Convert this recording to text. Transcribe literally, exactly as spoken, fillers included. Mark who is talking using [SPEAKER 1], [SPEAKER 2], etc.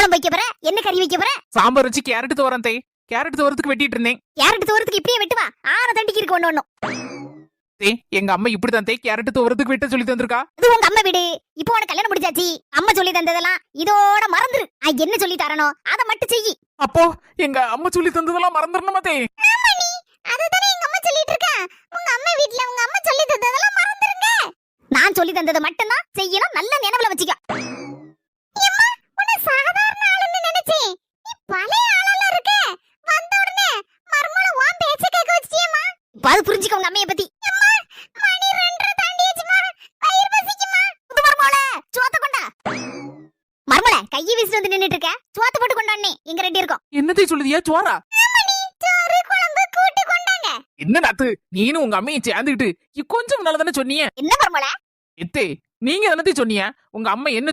[SPEAKER 1] குழம்பு வைக்க போற? என்ன கறி வைக்க போற?
[SPEAKER 2] சாம்பார் வச்சு கேரட் தோரம் தே. கேரட் தோரத்துக்கு வெட்டிட்டு இருந்தேன்.
[SPEAKER 1] கேரட் தோரத்துக்கு இப்படியே வெட்டுவா? ஆற தண்டிக்கு இருக்கு ஒண்ணு ஒண்ணும்.
[SPEAKER 2] தே, எங்க அம்மா இப்படிதான் தே கேரட் தோரத்துக்கு வெட்ட சொல்லி தந்திருக்கா.
[SPEAKER 1] இது உங்க அம்மா வீடு. இப்போ உனக்கு கல்யாணம் முடிச்சாச்சு. அம்மா சொல்லி தந்ததெல்லாம் இதோட மறந்துரு. நான் என்ன சொல்லி தரனோ அத மட்டும் செய்.
[SPEAKER 2] அப்போ எங்க அம்மா சொல்லி தந்ததெல்லாம் மறந்துடணுமா தே?
[SPEAKER 1] ஆமாடி, அதுதானே எங்க அம்மா சொல்லிட்டு இருக்கா. உங்க அம்மா வீட்ல உங்க அம்மா சொல்லி தந்ததெல்லாம் மறந்துருங்க. நான் சொல்லி தந்தத மட்டும் தான் செய்யணும். நல்ல நினைவுல வச்சுக்க. அம்மா, உன்னை சாதாரண ஆளுன்னு நினைச்சேன். நீ பழைய ஆளா இருக்க. வந்த உடனே மர்மல வா பேச்ச கேக்க வச்சிட்டியேம்மா. பாது புரிஞ்சிக்க உங்க அம்மைய பத்தி. அம்மா, மணி ரெண்டரை தாண்டியாச்சுமா. வயிறு பசிக்குமா. புது மர்மல, சோத்த கொண்டா. மர்மல, கையை வீசிட்டு வந்து நின்னுட்டு இருக்க. சோத்த போட்டு கொண்டானே. எங்க ரெடி இருக்கோம்.
[SPEAKER 2] என்னத்தை சொல்லுதியா? சோரா?
[SPEAKER 1] ஆமாடி, சோறு குழம்பு கூட்டி கொண்டாங்க.
[SPEAKER 2] என்ன நாத்து, நீனும் உங்க அம்மையை சேர்ந்துக்கிட்டு கொஞ்சம் நல்லதானே சொன்னீங்க.
[SPEAKER 1] என்ன மர்மல?
[SPEAKER 2] எத்தே, நீங்க என்னத்தை சொன்னீங்க? உங்க அம்மா என்ன